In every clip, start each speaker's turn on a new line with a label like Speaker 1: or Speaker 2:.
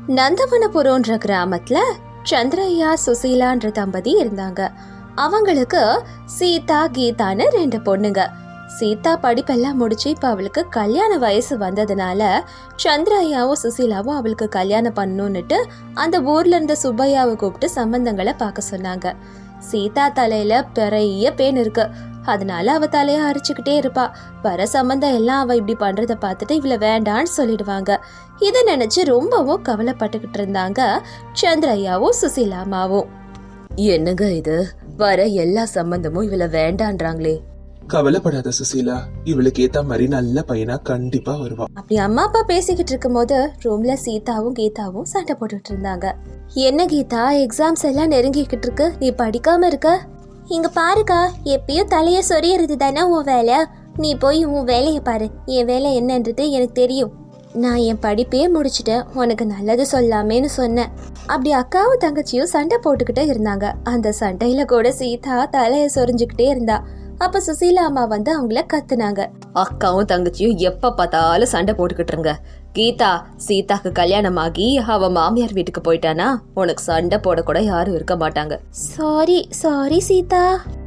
Speaker 1: நந்தவனபுரம்ன்ற கிராமத்துல சந்திரையா சுசீலான்ற தம்பதி இருந்தாங்க. அவங்களுக்கு சீதா கீதான்னு 2 பொண்ணுங்க. சீதா படிப்பெல்லாம் முடிச்சு இப்ப அவளுக்கு கல்யாண வயசு வந்ததுனால சந்திரையாவும் சுசீலாவும் அவளுக்கு கல்யாணம் பண்ணணும்னுட்டு அந்த ஊர்ல இருந்த சுப்பையாவை கூப்பிட்டு சம்பந்தங்களை பார்க்க சொன்னாங்க. சீதா தலையில பெரிய பேன் இருக்கு, அதனால அவ தலைய அரிச்சுக்கிட்டே இருப்பா. வர சம்பந்தம் எல்லாம் அவ இப்படி பண்றத பார்த்துட்டு இவள வேண்டான்னு சொல்லிடுவாங்க. இதை நினைச்சு ரொம்பவும் கவலைப்பட்டுக்கிட்டு இருந்தாங்க சந்திரையாவும் சுசீலாமாவும். என்னங்க இது, வர எல்லா சம்பந்தமும் இவள வேண்டான்றாங்களே.
Speaker 2: கவலைப்படாத சுசீலா, இவளுக்கு ஏத்த மாதிரி நல்ல பையனா கண்டிப்பா வருவா.
Speaker 1: அப்படி அம்மா அப்பா பேசிக்கிட்டு இருக்கும் போது ரூம்ல சீதாவும் கீதாவும் சண்டை போட்டுட்டு இருந்தாங்க. என்ன கீதா, எக்ஸாம்ஸ் எல்லாம் நெருங்கிக்கிட்டு இருக்கு, நீ படிக்காம இருக்க? இங்க பாருக்கா, எப்பயும் தலைய சொரியறது தானே உன் வேலை. நீ போய் உன் வேலையை பாரு, என் வேலை என்னன்றது எனக்கு தெரியும். நான் என் படிப்பே முடிச்சுட்டேன், உனக்கு நல்லது சொல்லாமேன்னு சொன்னேன். அப்படி அக்காவும் தங்கச்சியும் சண்டை போட்டுக்கிட்டே இருந்தாங்க. அந்த சண்டையில கூட சீதா தலைய சொரிஞ்சுக்கிட்டே இருந்தா. அப்ப சுசீலா அம்மா வந்து அவங்கள கத்துனாங்க. அக்காவும் தங்கச்சியும் எப்ப பார்த்தாலும் சண்டை போட்டுக்கிட்டு இருங்க. கீதா, சீதாக்கு கல்யாணம் ஆகி அவ மாமியார் வீட்டுக்கு போயிட்டானா உனக்கு சண்டை போட கூட யாரும் இருக்க மாட்டாங்க. Sorry sorry Sita.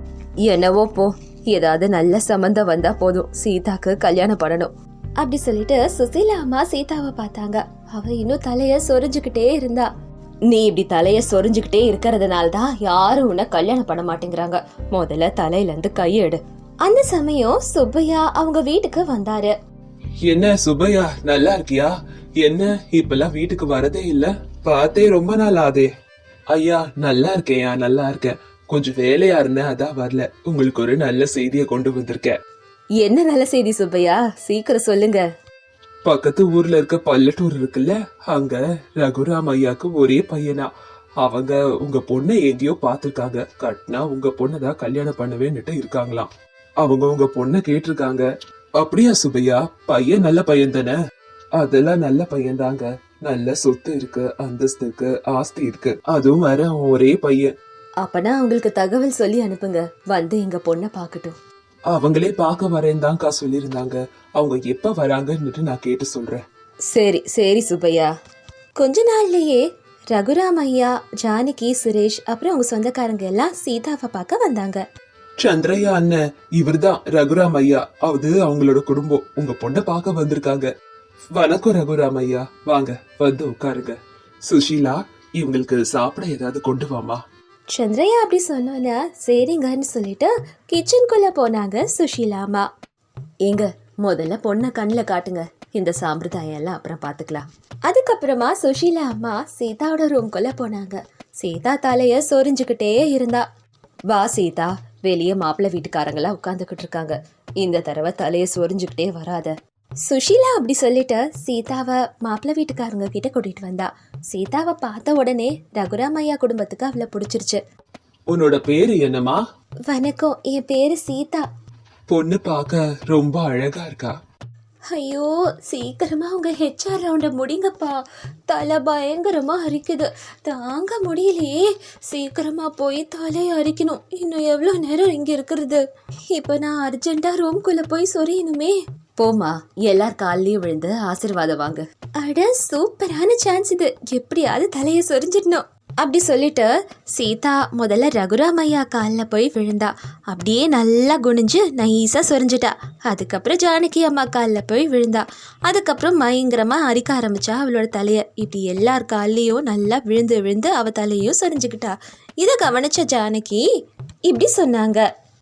Speaker 1: என்னவோ போ, ஏதாவது நல்ல சம்பந்தம் வந்தா போதும், சீதாக்கு கல்யாணம் பண்ணணும் அப்படி சொல்லிட்டு சுசீலா அம்மா சீதாவை பார்த்தாங்க. அவ இன்னும் தலைய சொரிஞ்சுக்கிட்டே இருந்தா. நீ இப்படி தலைய சொரிஞ்சுக்கிட்டே இருக்கிறதுனாலதான் யாரும் உன்னை கல்யாணம் பண்ண மாட்டேங்கிறாங்க. முதல்ல தலையில இருந்து கையெடு. அந்த சமயம் சுப்பையா அவங்க வீட்டுக்கு வந்தாரு.
Speaker 2: என்ன சுப்பையா, நல்லா இருக்கியா? என்ன இப்பெல்லாம் வீட்டுக்கு வரதே இல்ல, பார்த்தே ரொம்ப நாள் ஆதே. ஐயா நல்லா இருக்கேயா, நல்லா இருக்கேன். கொஞ்சம் வேலையா இருந்தேன், அதான் வரல. உங்களுக்கு ஒரு நல்ல செய்தியை கொண்டு வந்திருக்கேன்.
Speaker 1: என்ன நல்ல செய்தி சுப்பையா, சீக்கிரம் சொல்லுங்க.
Speaker 2: பக்கத்து ஊர்ல இருக்க பல்லட்டூர் இருக்குல்ல, அங்க ரகுராம் ஐயாக்கு ஒரே பையனா. அவங்க உங்க பொண்ணை எங்கேயோ பாத்துருக்காங்க, கட்டினா உங்க பொண்ணதான் கல்யாணம் பண்ணவேன்னுட்டு இருக்காங்களாம். அவங்க உங்க பொண்ணை கேட்டிருக்காங்க. அப்படியா சுப்பையா, பையன் நல்ல பையன் தானே? அதெல்லாம் நல்ல பையன் தாங்க, நல்ல சொத்து இருக்கு, அந்தஸ்து இருக்கு, ஆஸ்தி இருக்கு, அதுவும் வர ஒரே பையன்.
Speaker 1: அப்பனா அவங்களுக்கு தகவல் சொல்லி அனுப்புங்க, வந்து எங்க பொண்ணை பாக்கட்டும்.
Speaker 2: அவங்களே பார்க்க வரேன் தான்க்கா சொல்லியிருந்தாங்க. அவங்க எப்ப வராங்கன்னு நான் கேட்டு சொல்றேன்.
Speaker 1: சரி சரி சுப்பையா. கொஞ்ச நாள்லயே ரகுராம் ஐயா, ஜானகி, சுரேஷ் அப்புறம் அவங்க சொந்தக்காரங்க எல்லாம் சீதாவை பார்க்க வந்தாங்க.
Speaker 2: சந்திரையா அண்ணன், இவர்தான் ரகுராம் ஐயா. அது அவங்களோட குடும்பம் உங்க பொண்ணை பார்க்க வந்திருக்காங்க. வணக்கம் ரகுராம் ஐயா, வாங்க வந்து உட்காருங்க. சுஷீலா, இவங்களுக்கு சாப்பிட ஏதாவது கொண்டு வாமா.
Speaker 1: சந்திரையா அப்படி சொன்னோன்னா சரிங்கன்னு சொல்லிட்டு கிச்சனுக்குள்ள போனாங்க சுஷீலாமா. ஏங்க, முதல்ல பொண்ணை கண்ணில் காட்டுங்க, இந்த சாம்பிரதாயம் எல்லாம் அப்புறம் பார்த்துக்கலாம். அதுக்கப்புறமா சுஷீலா அம்மா சீதாவோட ரூம்குள்ள போனாங்க. சீதா தலைய சொரிஞ்சுக்கிட்டே இருந்தா. வா சீதா, வெளியே மாப்பிள்ளை வீட்டுக்காரங்களாம் உட்காந்துக்கிட்டு இருக்காங்க, இந்த தடவை தலைய சொரிஞ்சுக்கிட்டே வராத. சுஷீலா அப்படி சொல்லிட்டு சீதாவை மாப்பிள்ளை வீட்டுக்காரங்க கிட்ட கூட்டிட்டு வந்தா. சீதாவை பார்த்த உடனே ரகுராம் ஐயா குடும்பத்துக்கு அவளை பிடிச்சிருச்சு.
Speaker 2: உன்னோட பேரு என்னமா?
Speaker 1: வணக்கம், என் பேரு சீதா.
Speaker 2: பொண்ணு பார்க்க ரொம்ப அழகா இருக்கா.
Speaker 1: ஐயோ, சீக்கிரமா உங்க ஹெச்ஆர் ரவுண்ட முடிங்கப்பா, தலை பயங்கரமா அரிக்குது, தாங்க முடியலையே. சீக்கிரமா போய் தலையை அரிக்கணும். இன்னும் எவ்வளோ நேரம் இங்க இருக்கிறது? இப்போ நான் அர்ஜென்ட்டா ரூம்குள்ள போய் சொரியணுமே. போமா, எல்லார் காலையும் விழுந்து ஆசீர்வாதம் வாங்க. அட சூப்பரான சான்ஸ் இது, எப்படியாவது தலையை சொரிஞ்சிடணும் அப்படி சொல்லிட்டு சீதா முதல்ல ரகுராம் ஐயா காலில் போய் விழுந்தா. அப்படியே நல்லா குனிஞ்சு நைஸாக சொரிஞ்சிட்டா. அதுக்கப்புறம் ஜானகி அம்மா காலில் போய் விழுந்தா. அதுக்கப்புறம் பயங்கரமாக அரிக்க ஆரம்பிச்சா அவளோட தலையை. இப்படி எல்லார் கால்லையும் நல்லா விழுந்து விழுந்து அவள் தலையையும் சொரிஞ்சுக்கிட்டா. இதை கவனிச்ச ஜானகி இப்படி சொன்னாங்க.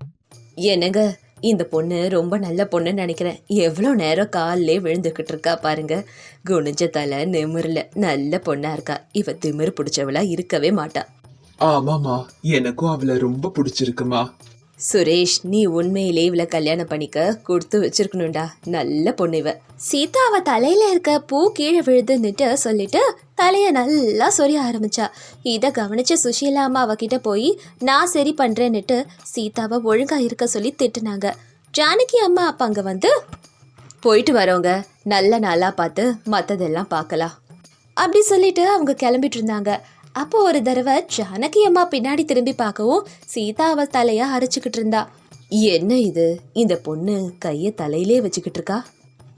Speaker 1: என்னங்க, இந்த பொண்ணு ரொம்ப நல்ல பொண்ணுன்னு நினைக்கிறேன். எவ்வளோ நேரம் காலிலே விழுந்துக்கிட்டு இருக்கா பாருங்க. குனிஞ்ச தலை நிமிரல, நல்ல பொண்ணா இருக்கா. இவ திமிரு பிடிச்சவளா இருக்கவே மாட்டா.
Speaker 2: ஆமாமா, எனக்கும் அவளை ரொம்ப பிடிச்சிருக்குமா.
Speaker 1: சுரேஷ், நீ உண்மையிலே இவளை கல்யாணம் பண்ணிக்க கொடுத்து வச்சிருக்கணும்டா, நல்ல பொண்ணு இவ. சீதா அவ தலையில இருக்க பூ கீழே விழுதுன்னுட்டு சொல்லிட்டு தலைய நல்லா சொரிய ஆரம்பிச்சா. இதை கவனிச்ச சுஷீலா அம்மா அவகிட்ட போய் நான் சரி பண்றேன்னுட்டு சீதாவை ஒழுங்கா இருக்க சொல்லி திட்டுனாங்க. ஜானகி அம்மா அப்ப அங்க வந்து, போயிட்டு வரவங்க நல்ல நாளா பார்த்து மற்றதெல்லாம் பார்க்கலாம் அப்படி சொல்லிட்டு அவங்க கிளம்பிட்டு இருந்தாங்க. அப்போ ஒரு தடவை ஜானகி அம்மா பின்னாடி திரும்பி பார்க்கவும் சீதா அவ தலைய அரைச்சுக்கிட்டு இருந்தா. என்ன இது, இந்த பொண்ணு கைய தலையிலே வச்சுக்கிட்டு இருக்கா?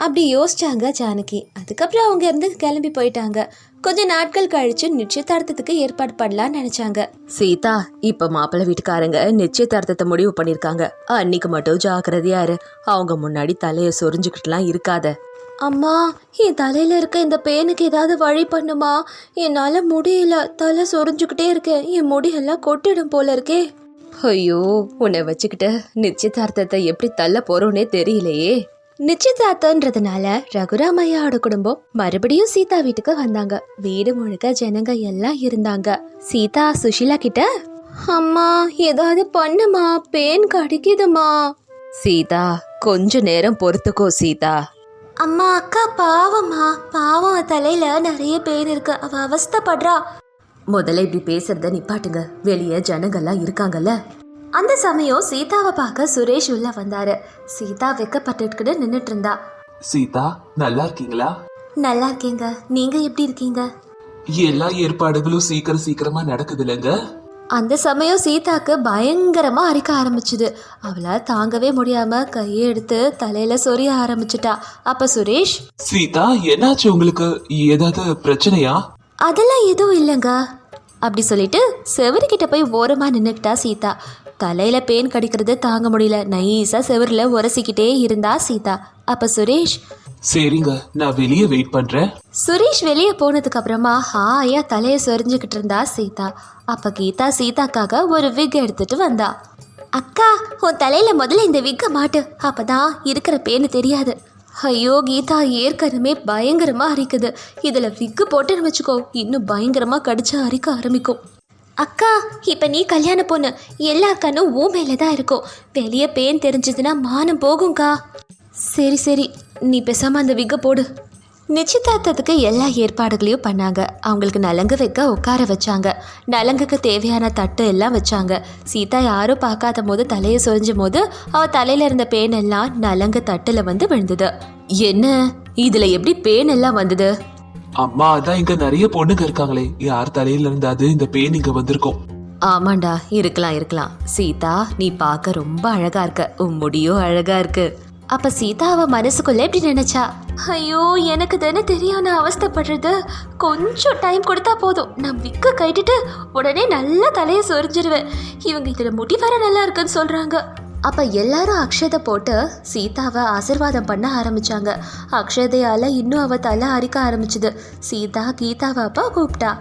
Speaker 1: அப்படி யோசிச்சாங்க ஜானகி. அதுக்கப்புறம் அவங்க இருந்து கிளம்பி போயிட்டாங்க. கொஞ்ச நாட்கள் கழிச்சு நிச்சயதார்த்தத்துக்கு ஏற்பாடு பண்ணலாம்னு நினைச்சாங்க. சீதா, இப்ப மாப்பிள்ளை வீட்டுக்காரங்க நிச்சயதார்த்தத்தை முடிவு பண்ணிருக்காங்க. அன்னைக்கு மட்டும் ஜாக்கிரதையா இரு. அவங்க முன்னாடி தலைய சொரிஞ்சுக்கிட்டுலாம் இருக்காத. அம்மா, என் தலையில இருக்க இந்த பேனுக்கு ஏதாவது வழி பண்ணுமா? என்னால முடியல, தலை சொரிஞ்சுக்கிட்டே இருக்கேன். என் முடியெல்லாம் கொட்டிடும் போல இருக்கே. ஐயோ, உன்னை வச்சுக்கிட்டு நிச்சயதார்த்தத்தை எப்படி தள்ள போறோன்னே தெரியலையே. நிச்சயதார்த்தன்றதுனால ரகுராமையாவோட குடும்பம் மறுபடியும் சீதா வீட்டுக்கு வந்தாங்க. வீடு முழுக்க ஜனங்க எல்லாம் இருந்தாங்க. சீதா சுஷிலா கிட்ட, அம்மா ஏதாவது பண்ணுமா, பேன் கடிக்குதுமா. சீதா, கொஞ்ச நேரம் பொறுத்துக்கோ சீதா. அம்மா, அக்கா பாவம்மா, பாவம், தலையில நிறைய பேன் இருக்கு, அவ அவஸ்தைப்படுறா. முதல்ல இப்படி பேசுறத நிப்பாட்டுங்க, வெளியே ஜனங்கள்லாம் இருக்காங்கல்ல. அந்த சமயம் சீதாவை பார்க்க சுரேஷ் உள்ள வந்தாரு. சீதா வெக்கப்பட்டுக்கிட்டு நின்னுட்டு இருந்தா.
Speaker 2: சீதா, நல்லா இருக்கீங்களா?
Speaker 1: நல்லா இருக்கேங்க, நீங்க எப்படி இருக்கீங்க?
Speaker 2: எல்லா ஏற்பாடுகளும் சீக்கிரமா நடக்குது இல்லைங்க?
Speaker 1: அந்த சமயம் சீதாக்கு பயங்கரமா அரிக்க ஆரம்பிச்சுது. அவளை தாங்கவே முடியாம கையை எடுத்து தலையில சொரிய ஆரம்பிச்சுட்டா. அப்ப சுரேஷ்,
Speaker 2: சீதா என்னாச்சு உங்களுக்கு? ஏதாவது பிரச்சனையா?
Speaker 1: அதெல்லாம் எதுவும் இல்லைங்க அப்படி சொல்லிட்டு செவருக்கிட்ட போய் ஓரமா நின்னுக்கிட்டா சீதா. தலையில பேன் கடிக்கிறது தாங்க முடியல, நைஸா செவருல உரசிக்கிட்டே இருந்தா சீதா. அப்ப சுரேஷ்,
Speaker 2: சரிங்க, நான் வெளியே வெயிட் பண்றேன்.
Speaker 1: சுரேஷ் வெளியே போனதுக்கு அப்புறமா ஹாயா தலைய சொரிஞ்சுக்கிட்டு இருந்தா சீதா. அப்ப கீதா சீதாக்காக ஒரு விக் எடுத்துட்டு வந்தா. அக்கா, உன் தலையில முதல்ல இந்த விக்க மாட்டு, அப்பதான் இருக்கிற பேனு தெரியாது. ஐயோ கீதா, ஏற்கனவே பயங்கரமா அரிக்குது, இதுல விக்கு போட்டுன்னு வச்சுக்கோ, இன்னும் பயங்கரமா கடிச்சு அரிக்க ஆரம்பிக்கும். அக்கா, இப்ப நீ கல்யாண பொண்ணு, எல்லா கண்ணும் ஊ மேல தான் இருக்கும். வெளியே பேன் தெரிஞ்சதுன்னா மானம் போகும்க்கா. சரி சரி, நீ பேசாம அந்த விக்க போடு. நிச்சயதார்த்தத்துக்கு எல்லா ஏற்பாடுகளையும் பண்ணாங்க. அவங்களுக்கு நலங்கு வைக்க உட்கார வச்சாங்க. நலங்குக்கு தேவையான தட்டு எல்லாம் வச்சாங்க. சீதா யாரும் பார்க்காத போது தலையை சொரிஞ்சும் போது அவ தலையில இருந்த பேன் எல்லாம் நலங்கு தட்டுல வந்து விழுந்தது. என்ன, இதுல எப்படி பேன் எல்லாம் வந்தது?
Speaker 2: அம்மா, அதான் இங்க நிறைய பொண்ணுங்க இருக்காங்களே, யார் தலையில இருந்தாது இந்த பேன் இங்க வந்திருக்கும்.
Speaker 1: ஆமாண்டா, இருக்கலாம். சீதா, நீ பார்க்க ரொம்ப அழகா இருக்க, உன் முடியும் அழகா இருக்கு. அப்ப சீதா அவ மனசுக்குள்ள எப்படி நினைச்சா, ஐயோ எனக்கு தானே தெரியும் நான் அவஸ்தைப்படுறது, கொஞ்சம் டைம் கொடுத்தா போதும், நான் விக்க கட்டிட்டு உடனே நல்லா தலையை சொரிஞ்சிருவேன். இவங்க இதுல முடி வர நல்லா இருக்குன்னு சொல்றாங்க. அப்ப எல்லாரும் அக்ஷதை போட்டு சீதாவை ஆசிர்வாதம் பண்ண ஆரம்பிச்சாங்க. அக்ஷதையால இன்னும் அவ தலை அரிக்க ஆரம்பிச்சுது. சீதா கீதாவை அப்பா கூப்பிட்டா.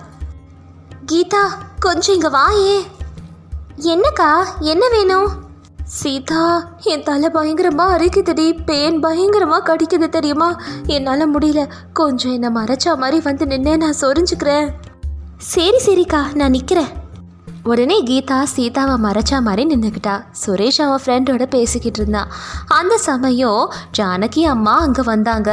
Speaker 1: கீதா, கொஞ்சம் இங்க வாயே. என்னக்கா, என்ன வேணும்? சீதா, என் தலை பயங்கரமா அரிக்குதுடி, பேன் பயங்கரமா கடிக்குது தெரியுமா, என்னால முடியல, கொஞ்சம் என்ன மறைச்சா மாதிரி வந்து நின்னே நான் சொரிஞ்சுக்கிறேன். சரிக்கா, நான் நிக்கிறேன். உடனே கீதா சீதாவை மறைச்சா மாதிரி நின்றுக்கிட்டா. சுரேஷ் அவன் ஃப்ரெண்டோட பேசிக்கிட்டு இருந்தான். அந்த சமயம் ஜானகி அம்மா அங்கே வந்தாங்க.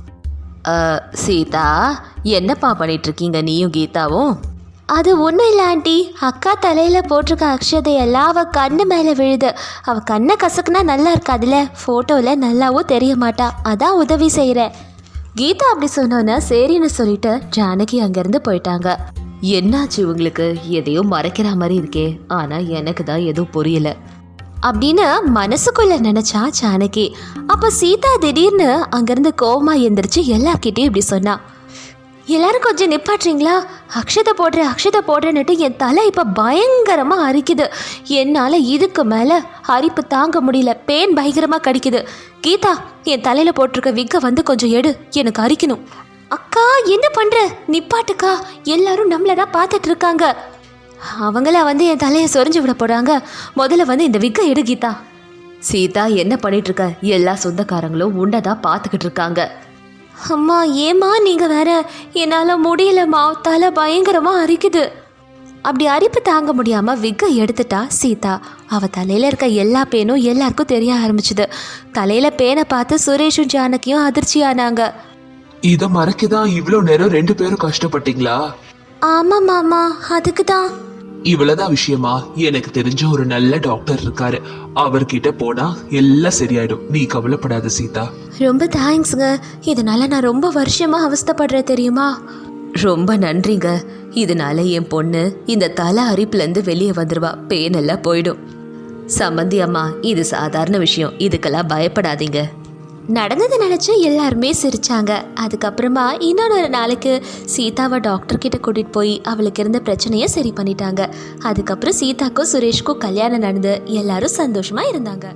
Speaker 1: சீதா, என்னப்பா பண்ணிட்டு இருக்கீங்க நீயும் கீதாவும்? அது ஒன்றும் இல்லை ஆண்டி, அக்கா தலையில் போட்டிருக்க அக்ஷதையெல்லாம் அவள் கண்ணு மேலே விழுது. அவள் கண்ணை கசக்குனா நல்லா இருக்காதுல்ல, ஃபோட்டோவில் நல்லாவும் தெரிய மாட்டா, அதான் உதவி செய்கிறேன். கீதா அப்படி சொன்னோன்னா சரின்னு சொல்லிட்டு ஜானகி அங்கேருந்து போயிட்டாங்க. என்னாச்சு உங்களுக்கு, எதையோ மறைக்கிற மாதிரி இருக்கே, ஆனால் எனக்கு தான் எதுவும் புரியல அப்படின்னு மனசுக்குள்ள நினைச்சா ஜானகி. அப்போ சீதா திடீர்னு அங்கேருந்து கோவமா எந்திரிச்சு எல்லார்கிட்டையும் இப்படி சொன்னா. எல்லாரும் கொஞ்சம் நிப்பாட்டுறீங்களா? அக்ஷதை போடுறேன்னுட்டு என் தலை இப்போ பயங்கரமாக அரிக்குது. என்னால் இதுக்கு மேலே அரிப்பு தாங்க முடியல, பேன் பயங்கரமாக கடிக்குது. கீதா, என் தலையில் போட்டிருக்க விக்க வந்து கொஞ்சம் எடு, எனக்கு அரிக்கணும். அக்கா, என்ன பண்ணுற? நிப்பாட்டுக்கா, எல்லாரும் நம்மளை தான் பார்த்துட்டு இருக்காங்க. அவங்கள வந்து என் தலையை சொரிஞ்சு விட போகிறாங்க. முதல்ல வந்து இந்த விக்க எடு கீதா. சீதா, என்ன பண்ணிட்டு இருக்க? எல்லா சொந்தக்காரங்களும் உண்டதான் பார்த்துக்கிட்டு இருக்காங்க. அம்மா, ஏம்மா நீங்கள் வேற, என்னால் முடியலம்மா, தலை பயங்கரமாக அரிக்குது. அப்படி அரிப்பு தாங்க முடியாமல் விக்க எடுத்துட்டா சீதா. அவள் தலையில் இருக்க எல்லா பேனும் எல்லாருக்கும் தெரிய ஆரம்பிச்சுது. தலையில் பேனை பார்த்து சுரேஷும் ஜானகியும் அதிர்ச்சி ஆனாங்க.
Speaker 2: இதை மறைக்கதான் இவ்வளோ நேரம் 2 பேரும் கஷ்டப்பட்டீங்களா?
Speaker 1: ஆமாம் மாமா, அதுக்கு தான்.
Speaker 2: இவ்வளவுதான் விஷயமா? எனக்கு தெரிஞ்ச ஒரு நல்ல டாக்டர் இருக்காரு, அவர்கிட்ட போனா எல்லாம் சரியாயிடும், நீ கவலைப்படாத சீதா.
Speaker 1: ரொம்ப தேங்க்ஸுங்க, இதனால நான் ரொம்ப வருஷமா அவஸ்தைப்படுறேன் தெரியுமா. ரொம்ப நன்றிங்க, இதனால என் பொண்ணு இந்த தலை அரிப்புலேருந்து வெளியே வந்துடுவா, பேனெல்லாம் போயிடும். சம்பந்தி அம்மா, இது சாதாரண விஷயம், இதுக்கெல்லாம் பயப்படாதீங்க. நடந்ததை நினச்சி எல்லாருமே சிரிச்சாங்க. அதுக்கப்புறமா இன்னொரு நாளைக்கு சீதாவை டாக்டர் கிட்ட கூட்டிகிட்டு போய் அவளுக்கு இருந்த பிரச்சனையை சரி பண்ணிட்டாங்க. அதுக்கப்புறம் சீதாக்கும் சுரேஷ்க்கும் கல்யாணம் நடந்து எல்லாரும் சந்தோஷமாக இருந்தாங்க.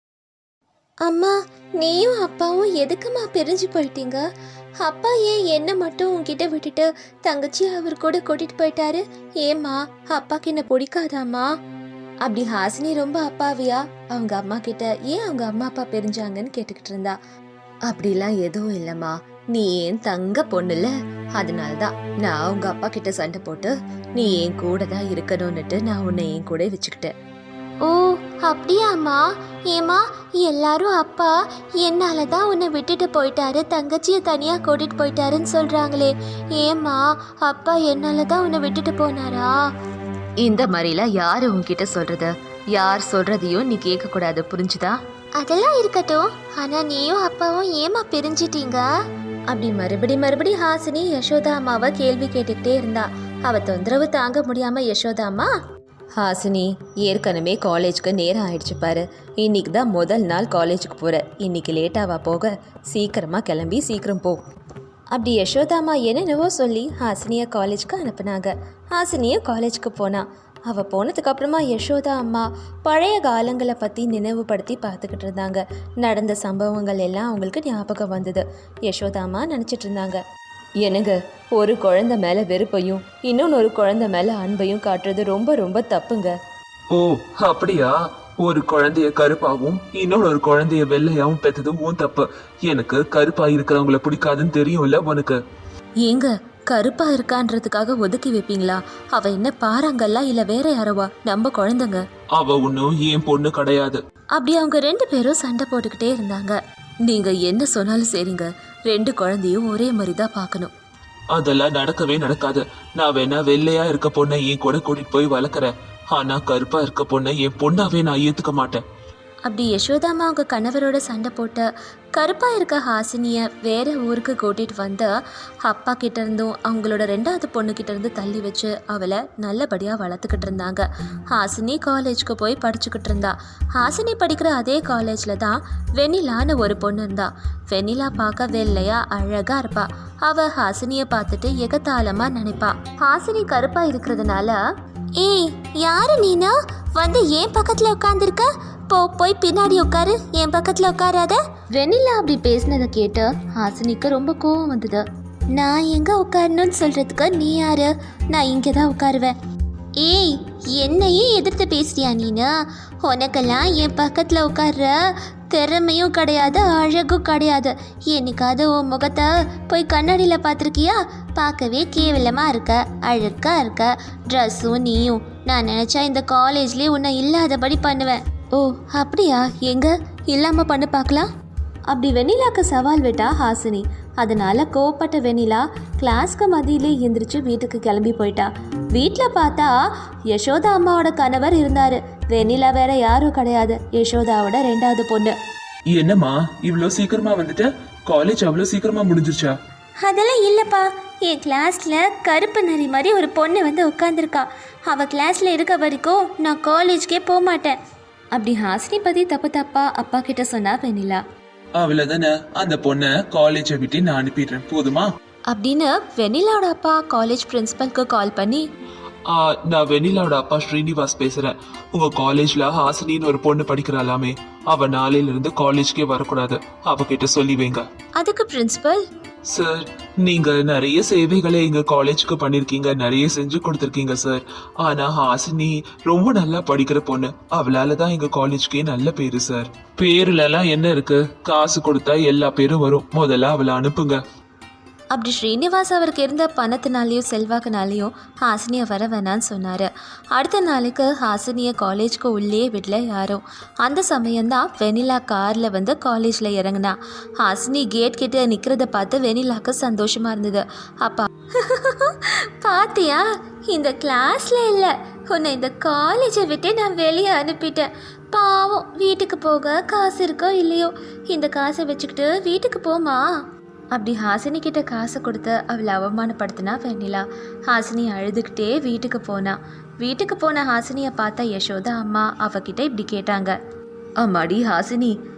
Speaker 1: அம்மா, நீயும் அப்பாவும் எதுக்குமா பிரிஞ்சு போயிட்டீங்க? அப்பா ஏன் என்ன மட்டும் உன்கிட்ட விட்டுட்டு தங்கச்சி அவர் கூட கூட்டிட்டு போயிட்டாரு? ஏம்மா, அப்பாக்கு என்ன பிடிக்காதாம்மா? அப்படி ஹாசினி ரொம்ப அப்பாவியா அவங்க அம்மா கிட்ட ஏன் அவங்க அம்மா அப்பா பிரிஞ்சாங்கன்னு கேட்டுக்கிட்டு இருந்தா. அப்படிலாம் எதுவும் இல்லைம்மா, நீ ஏன் தங்க பொண்ணுல, அதனால்தான் நான் அவங்க அப்பா கிட்ட சண்டை போட்டு நீ என் கூட தான் இருக்கணும்னுட்டு நான் உன்னை என் கூட வச்சுக்கிட்டேன். ஓ, அப்படியாம்மா? ஏமா, எல்லாரும் அப்பா என்னால தான் உன்னை விட்டுட்டு போயிட்டாரு, தங்கச்சியை தனியா கூட்டிட்டு போயிட்டாருன்னு சொல்றாங்களே. ஏம்மா, அப்பா என்னால தான் உன்னை விட்டுட்டு போனாரா? இந்த மாதிரிலாம் யாரு உன்கிட்ட சொல்றது? யார் சொல்றதையும் நீ கேட்க கூடாது, புரிஞ்சுதா? அதெல்லாம் இருக்கட்டும், ஆனா நீயும் அப்பாவும் ஏமா பிரிஞ்சிட்டீங்க? அப்படி மறுபடி ஹாசினி யசோதா அம்மாவை கேள்வி கேட்டுக்கிட்டே இருந்தா. அவ தொந்தரவு தாங்க முடியாம யசோதா அம்மா, ஹாசினி, ஏற்கனவே காலேஜுக்கு நேரம் ஆயிடுச்சு பாரு. இன்னைக்கு தான் முதல் நாள் காலேஜுக்கு போற. இன்னைக்கு லேட்டாவா போக? சீக்கிரமா கிளம்பி சீக்கிரம் போ. அப்படி யசோதாமா என்னென்னவோ சொல்லி ஹாசினியை காலேஜுக்கு அனுப்புனாங்க. ஹாசினியும் காலேஜுக்கு போனா. அவள் போனதுக்கப்புறமா யசோதா அம்மா பழைய காலங்களை பற்றி நினைவுபடுத்தி பார்த்துக்கிட்டு இருந்தாங்க. நடந்த சம்பவங்கள் எல்லாம் அவங்களுக்கு ஞாபகம் வந்தது. யசோதா அம்மா நினச்சிட்டு இருந்தாங்க, எனக்கு ஒரு குழந்தை மேலே வெறுப்பையும் இன்னொன்று குழந்தை மேலே அன்பையும் காட்டுறது ரொம்ப ரொம்ப தப்புங்க.
Speaker 2: ஓ அப்படியா? ஒரு குழந்தைய கருப்பாவும் இன்னொரு குழந்தைய வெள்ளையாவும் பெற்றதும் உன் தப்பு. எனக்கு கருப்பா இருக்கிறவங்கள பிடிக்காதுன்னு தெரியும்ல உனக்கு.
Speaker 1: ஏங்க, கருப்பா இருக்கான்றதுக்காக ஒதுக்கி வைப்பீங்களா? அவ என்ன பாறாங்கல்ல இல்ல வேற யாரோவா? நம்ம குழந்தைங்க.
Speaker 2: அவ ஒன்னும் என் பொண்ணு கிடையாது.
Speaker 1: அப்படி அவங்க ரெண்டு பேரும் சண்டை போட்டுக்கிட்டே இருந்தாங்க. நீங்க என்ன சொன்னாலும் சரிங்க, ரெண்டு குழந்தையும் ஒரே மாதிரி தான் பார்க்கணும்.
Speaker 2: அதெல்லாம் நடக்கவே நடக்காது. நான் வேணா வெள்ளையா இருக்க பொண்ணை என் கூட கூட்டிட்டு போய் வளர்க்குறேன். ஆனா கருப்பா இருக்க பொண்ணை என் பொண்ணாவே நான் ஏத்துக்க மாட்டேன்.
Speaker 1: அப்படி யசோதாமா அவங்க கணவரோட சண்டை போட்டு கருப்பா இருக்க ஹாசினியை வேற ஊருக்கு கூட்டிட்டு வந்து அப்பா கிட்ட இருந்தும் அவங்களோட ரெண்டாவது பொண்ணுக்கிட்ட இருந்து தள்ளி வச்சு அவளை நல்லபடியா வளர்த்துக்கிட்டு இருந்தாங்க. ஹாசினி காலேஜுக்கு போய் படிச்சுக்கிட்டு இருந்தா. ஹாசினி படிக்கிற அதே காலேஜ்ல தான் வெண்ணிலான்னு ஒரு பொண்ணு இருந்தா. வெண்ணிலா பார்க்க வெள்ளையா அழகா இருப்பா. அவ ஹாசினியை பார்த்துட்டு எகத்தாளமா நினைப்பா. ஹாசினி கருப்பா இருக்கிறதுனால, ஏய் யாரு நீனா, வந்து ஏன் பக்கத்துல உட்காந்துருக்க? போய் பின்னாடி உட்காரு, என் பக்கத்துல உட்காராத. வெண்ணிலா அப்படி பேசினதை கேட்டு ஹாசினிக்கு ரொம்ப கோவம் வந்தது. நான் எங்க உட்காரணும்னு சொல்றதுக்கு நீ யாரு? நான் இங்கே தான் உட்காருவேன். ஏய், என்னையே எதிர்த்து பேசுறியா நீனு? உனக்கெல்லாம் என் பக்கத்துல உட்கார்ற திறமையும் கிடையாது, அழகும் கிடையாது. என்னைக்காவது உன் முகத்தை போய் கண்ணாடியில் பார்த்துருக்கியா? பார்க்கவே கேவலமாக இருக்க, அழுக்கா இருக்க. ட்ரெஸ்ஸும் நீயும். நான் நினச்சா இந்த காலேஜ்லேயே உன்னை இல்லாதபடி பண்ணுவேன். ஓ அப்படியா? எங்க இல்லாமல் பண்ணு பார்க்கலாம். அப்படி வெண்ணிலாக்கு சவால் விட்டா ஹாசினி. அதனால கோவப்பட்ட வெண்ணிலா கிளாஸ்க்கு மதியிலே எந்திரிச்சு வீட்டுக்கு கிளம்பி போயிட்டா. வீட்டில் பார்த்தா யசோதா அம்மாவோட கணவர் இருந்தாரு. வெண்ணிலா வேற யாரும் கிடையாது, யசோதாவோட ரெண்டாவது பொண்ணு.
Speaker 2: என்னம்மா இவ்வளோ சீக்கிரமா வந்துட்ட? காலேஜ் அவ்வளோ சீக்கிரமா முடிஞ்சிருச்சா?
Speaker 1: அதெல்லாம் இல்லைப்பா, என் கிளாஸில் கருப்பு நரி மாதிரி ஒரு பொண்ணு வந்து உட்காந்துருக்கா. அவள் கிளாஸில் இருக்க வரைக்கும் நான் காலேஜ்க்கே போக மாட்டேன். அப்படி ஹாசினி பற்றி தப்பா அப்பா கிட்ட சொன்னா வெண்ணிலா.
Speaker 2: அவ்வளவுதானே, அந்த பொண்ணை காலேஜை விட்டு நான் அனுப்பிடுறேன், போதுமா?
Speaker 1: அப்படின்னு வெண்ணிலாவோட அப்பா காலேஜ் பிரின்சிபல்க்கு கால் பண்ணி,
Speaker 2: நான் வெண்ணிலாவோட அப்பா ஸ்ரீனிவாஸ் பேசுறேன். உங்க காலேஜ்ல ஹாசினின்னு ஒரு பொண்ணு படிக்கிறாளாமே, அவ நாளையில இருந்து காலேஜ்க்கே வரக்கூடாது, அவகிட்ட சொல்லி வைங்க.
Speaker 1: அதுக்கு பிரின்சிபல்,
Speaker 2: சார் நீங்க நிறைய சேவைகளை எங்க காலேஜுக்கு பண்ணிருக்கீங்க, நிறைய செஞ்சு கொடுத்துருக்கீங்க சார். ஆனா ஹாசினி ரொம்ப நல்லா படிக்கிற பொண்ணு, அவளாலதான் எங்க காலேஜ்க்கே நல்ல பேரு சார். பேருல எல்லாம் என்ன இருக்கு? காசு கொடுத்தா எல்லா பேரும் வரும். முதல்ல அவளை அனுப்புங்க.
Speaker 1: அப்படி ஸ்ரீனிவாஸ் அவருக்கு இருந்த பணத்தினாலேயும் செல்வாக்குனாலேயும் ஹாசினியை வர வேணான்னு சொன்னார். அடுத்த நாளுக்கு ஹாசினியை காலேஜ்க்கு உள்ளே விடல யாரும். அந்த சமயம்தான் வெண்ணிலா காரில் வந்து காலேஜில் இறங்கினா. ஹாசினி கேட் கிட்ட நிற்கிறத பார்த்து வெண்ணிலாக்கு சந்தோஷமாக இருந்தது. அப்பா பாத்தியா, இந்த கிளாஸில் இல்லை, உன்னை இந்த காலேஜை விட்டு நான் வெளியே அனுப்பிட்டேன். பாவம், வீட்டுக்கு போக காசு இருக்கோ இல்லையோ, இந்த காசை வச்சுக்கிட்டு வீட்டுக்கு போமா. அப்படி ஹாசினி கிட்ட காசை கொடுத்து அவளை அவமானப்படுத்தினா வெண்ணிலா. ஹாசினி அழுதுகிட்டே வீட்டுக்கு போனா. வீட்டுக்கு போன ஹாசினியை பார்த்தா யசோதா அம்மா அவகிட்ட இப்படி கேட்டாங்க, அம்மாடி ஹாசினி,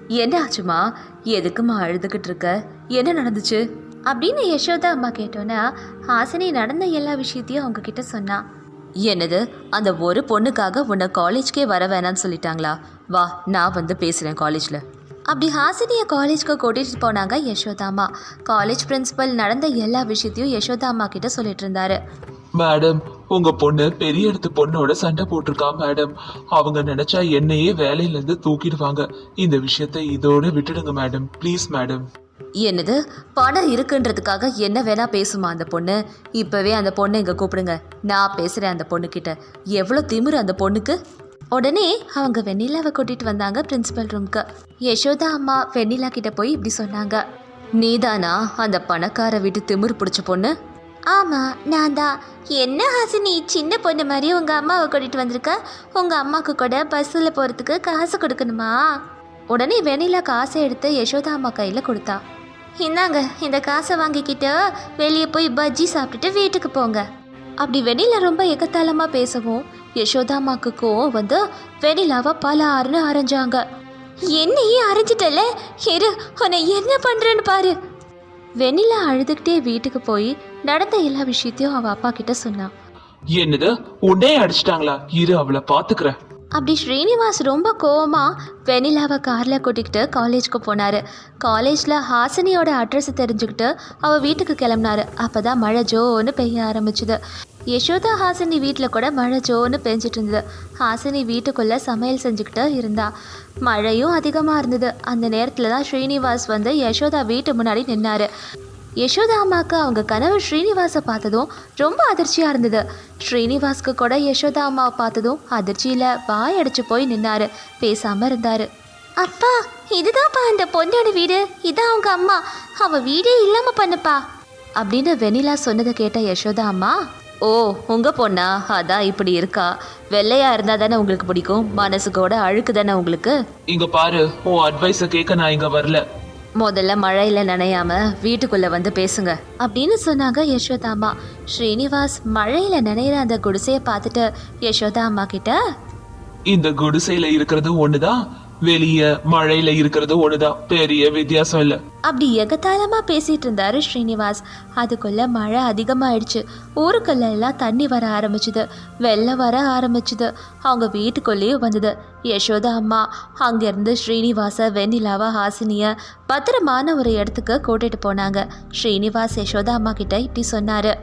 Speaker 1: என்ன ஆச்சுமா? எதுக்குமா அழுதுகிட்டு இருக்க? என்ன நடந்துச்சு அப்படின்னு யசோதா அம்மா கேட்டோன்னா ஹாசினி நடந்த எல்லா விஷயத்தையும் அவங்க கிட்ட சொன்னா. என்னது, அந்த ஒரு பொண்ணுக்காக உன்னை காலேஜ்க்கே வர வேணான்னு சொல்லிட்டாங்களா? வா, நான் வந்து பேசுகிறேன் காலேஜில். அப்படி ஹாசினியை காலேஜ்க்கு கூட்டிகிட்டு போனாங்க யசோதா அம்மா. காலேஜ் பிரின்சிபல் நடந்த எல்லா விஷயத்தையும் யசோதா அம்மா கிட்ட சொல்லிட்டு இருந்தாரு.
Speaker 2: மேடம், உங்க பொண்ணு பெரிய இடத்து பொண்ணோட சண்டை போட்டிருக்கா மேடம். அவங்க நினைச்சா என்னையே வேலையில இருந்து தூக்கிடுவாங்க. இந்த விஷயத்தை இதோட விட்டுடுங்க மேடம், ப்ளீஸ் மேடம்.
Speaker 1: என்னது, பணம் இருக்குன்றதுக்காக என்ன வேணா பேசுமா அந்த பொண்ணு? இப்போவே அந்த பொண்ணை இங்கே கூப்பிடுங்க, நான் பேசுகிறேன் அந்த பொண்ணுக்கிட்ட. எவ்வளோ திமிரு அந்த பொண்ணுக்கு! உடனே அவங்க வெண்ணிலாவை கூட்டிகிட்டு வந்தாங்க பிரின்சிபல் ரூம்க்கு. யசோதா அம்மா வெண்ணிலா கிட்ட போய் இப்படி சொன்னாங்க. நீதானா அந்த பணக்கார வீட்டு திமிரு பிடிச்ச பொண்ணு? ஆமாம், நான் தான். என்ன ஹாசினி, சின்ன பொண்ணு மாதிரி உங்கள் அம்மாவை கூட்டிகிட்டு வந்திருக்க? உங்கள் அம்மாவுக்கு கூட பஸ்ஸில் போகிறதுக்கு காசு கொடுக்கணுமா? உடனே வெண்ணிலா காசை எடுத்து யசோதா அம்மா கையில் கொடுத்தா. இந்தாங்க, இந்த காசை வாங்கிக்கிட்டு வெளியே போய் பஜ்ஜி சாப்பிட்டுட்டு வீட்டுக்கு போங்க. அப்படி வெண்ணிலா ரொம்ப எகத்தாளமாக பேசவும் யசோதா அம்மாவுக்கு கோவம் வந்து வெண்ணிலாவை பல ஆறுன்னு அரைஞ்சாங்க. என்னையே அரைஞ்சிட்டல, இரு உன்னை என்ன பண்ணுறேன்னு பாரு. வெண்ணிலா அழுதுகிட்டே வீட்டுக்கு போய் நடந்த எல்லா விஷயத்தையும் அவ அப்பா கிட்ட சொன்னான்.
Speaker 2: என்னது, உன்னே அடிச்சிட்டாங்களா? இரு, அவளை பாத்துக்கிறேன்.
Speaker 1: அப்படி ஸ்ரீனிவாஸ் ரொம்ப கோவமா வெண்ணிலாவை காரில் கூட்டிக்கிட்டு காலேஜ்க்கு போனார். காலேஜில் ஹாசினியோட அட்ரஸ் தெரிஞ்சுக்கிட்டு அவள் வீட்டுக்கு கிளம்புனாரு. அப்போ தான் மழை ஜோன்னு பெய்ய ஆரம்பிச்சுது. யசோதா ஹாசினி வீட்டில் கூட மழை ஜோன்னு பெஞ்சிட்டு இருந்தது. ஹாசினி வீட்டுக்குள்ளே சமையல் செஞ்சுக்கிட்டு இருந்தா. மழையும் அதிகமாக இருந்தது. அந்த நேரத்தில் தான் ஸ்ரீனிவாஸ் வந்து யசோதா வீட்டு முன்னாடி நின்னார். யசோதா அம்மாவுக்கு அவங்க கணவர் ஸ்ரீனிவாஸை பார்த்ததும் ரொம்ப அதிர்ச்சியாக இருந்தது. ஸ்ரீனிவாஸ்க்கு கூட யசோதா அம்மாவை பார்த்ததும் அதிர்ச்சியில் வாய் அடிச்சு போய் நின்னாரு, பேசாமல் இருந்தார். அப்பா, இதுதான்ப்பா அந்த பொண்ணோட வீடு, இதான் அவங்க அம்மா, அவள் வீடே இல்லாமல் பண்ணுப்பா அப்படின்னு வெண்ணிலா சொன்னதை கேட்ட யசோதா அம்மா, ஓ உங்கள் பொண்ணா, அதான் இப்படி இருக்கா. வெள்ளையா இருந்தால் தானே உங்களுக்கு பிடிக்கும், மனசுக்கோட அழுக்கு தானே உங்களுக்கு.
Speaker 2: இங்க பாரு, உன் அட்வைஸை கேட்க நான் இங்க வரல.
Speaker 1: முதல்ல மழையில் நனையாம வீட்டுக்குள்ளே வந்து பேசுங்க அப்படின்னு சொன்னாங்க யசோதா அம்மா. ஸ்ரீனிவாஸ் மழையில் நனையிற அந்த குடிசையை பார்த்துட்டு யசோதா அம்மா கிட்ட,
Speaker 2: இந்த குடிசையில இருக்கிறது ஒண்ணுதான், வெளிய மழையில இருக்கிறது ஒண்ணுதான், பெரிய வித்தியாசம் இல்ல.
Speaker 1: அப்படி எகத்தாளமாக பேசிகிட்டு இருந்தாரு ஸ்ரீனிவாஸ். அதுக்குள்ளே மழை அதிகமாகிடுச்சு. ஊருக்குள்ள எல்லாம் தண்ணி வர ஆரம்பிச்சுது, வெள்ளம் வர ஆரம்பிச்சுது. அவங்க வீட்டுக்குள்ளேயே வந்தது. யசோதா அம்மா அங்கேருந்து ஸ்ரீனிவாச, வெண்ணிலாவா, ஹாசினியை பத்திரமான ஒரு இடத்துக்கு கூட்டிகிட்டு போனாங்க. ஸ்ரீனிவாஸ் யசோதா அம்மா கிட்ட இப்படி சொன்னார்.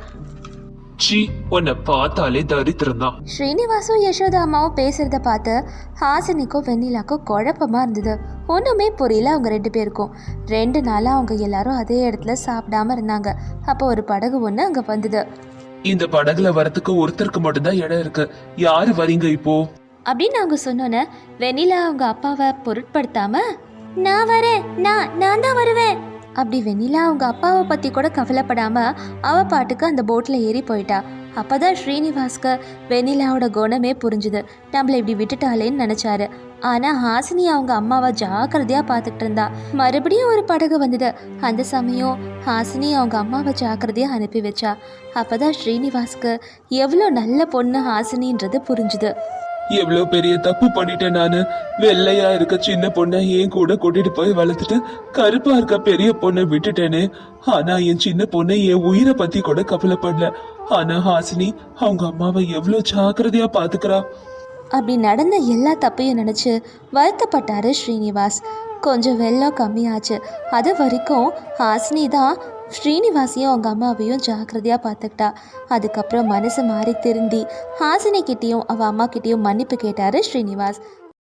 Speaker 2: சீ, உன்னை பார்த்தாலே தரித்திரம் தான்.
Speaker 1: ஸ்ரீனிவாசும் யசோதா அம்மாவும் பேசுகிறத பார்த்து ஹாசினிக்கும் வெண்ணிலாக்கும் குழப்பமாக இருந்தது. ஒன்றுமே புரியல அவங்க 2 பேருக்கும். 2 நாளாக அவங்க எல்லாரும் அதே இடத்துல சாப்பிடாம இருந்தாங்க. அப்போ ஒரு படகு ஒன்று அங்கே வந்தது.
Speaker 2: இந்த படகுல வரத்துக்கு ஒருத்தருக்கு மட்டும்தான் இடம் இருக்கு, யாரு வரீங்க இப்போ
Speaker 1: அப்படின்னு அவங்க சொன்னோன்னே வெண்ணிலா அவங்க அப்பாவை பொருட்படுத்தாம, நான் வரேன், நான் தான் வருவேன் அப்படி வெண்ணிலா அவங்க அப்பாவை பற்றி கூட கவலைப்படாம அவ பாட்டுக்கு அந்த போட்டில் ஏறி போயிட்டா. அப்போதான் ஸ்ரீனிவாஸ்க்கு வெண்ணிலாவோட குணமே புரிஞ்சுது. நம்மளை இப்படி விட்டுட்டாலேன்னு நினச்சாரு. ஆனால் ஹாசினி அவங்க அம்மாவை ஜாக்கிரதையாக பார்த்துக்கிட்டு இருந்தா. மறுபடியும் ஒரு படகு வந்தது. அந்த சமயம் ஹாசினி அவங்க அம்மாவை ஜாக்கிரதையாக அனுப்பி வச்சா. அப்போதான் ஸ்ரீனிவாஸ்க்கு எவ்வளோ நல்ல பொண்ணு ஹாசினின்றது புரிஞ்சுது.
Speaker 2: எவ்வளவு பெரிய தப்பு பண்ணிட்டேன் நானு. வெள்ளையா இருக்க சின்ன பொண்ணை என் கூட கூட்டிட்டு போய் வளர்த்துட்டு கருப்பா இருக்க பெரிய பொண்ணை விட்டுட்டேனே. ஆனா என் சின்ன பொண்ணை என் உயிரை பத்தி கூட கவலைப்படல. ஆனா ஹாசினி அவங்க அம்மாவை எவ்வளவு ஜாக்கிரதையா பாத்துக்கிறா.
Speaker 1: அப்படி நடந்த எல்லா தப்பையும் நினச்சி வருத்தப்பட்டாரு ஸ்ரீனிவாஸ். கொஞ்சம் வெள்ளம் கம்மியாச்சு. அது வரைக்கும் ஹாசினி தான் ஸ்ரீனிவாசையும் அவங்க அம்மாவையும் ஜாக்கிரதையாக பார்த்துக்கிட்டா. அதுக்கப்புறம் மனசு மாறி திருந்தி ஹாசினி கிட்டேயும் அவள் அம்மா கிட்டேயும் மன்னிப்பு கேட்டார் ஸ்ரீனிவாஸ்.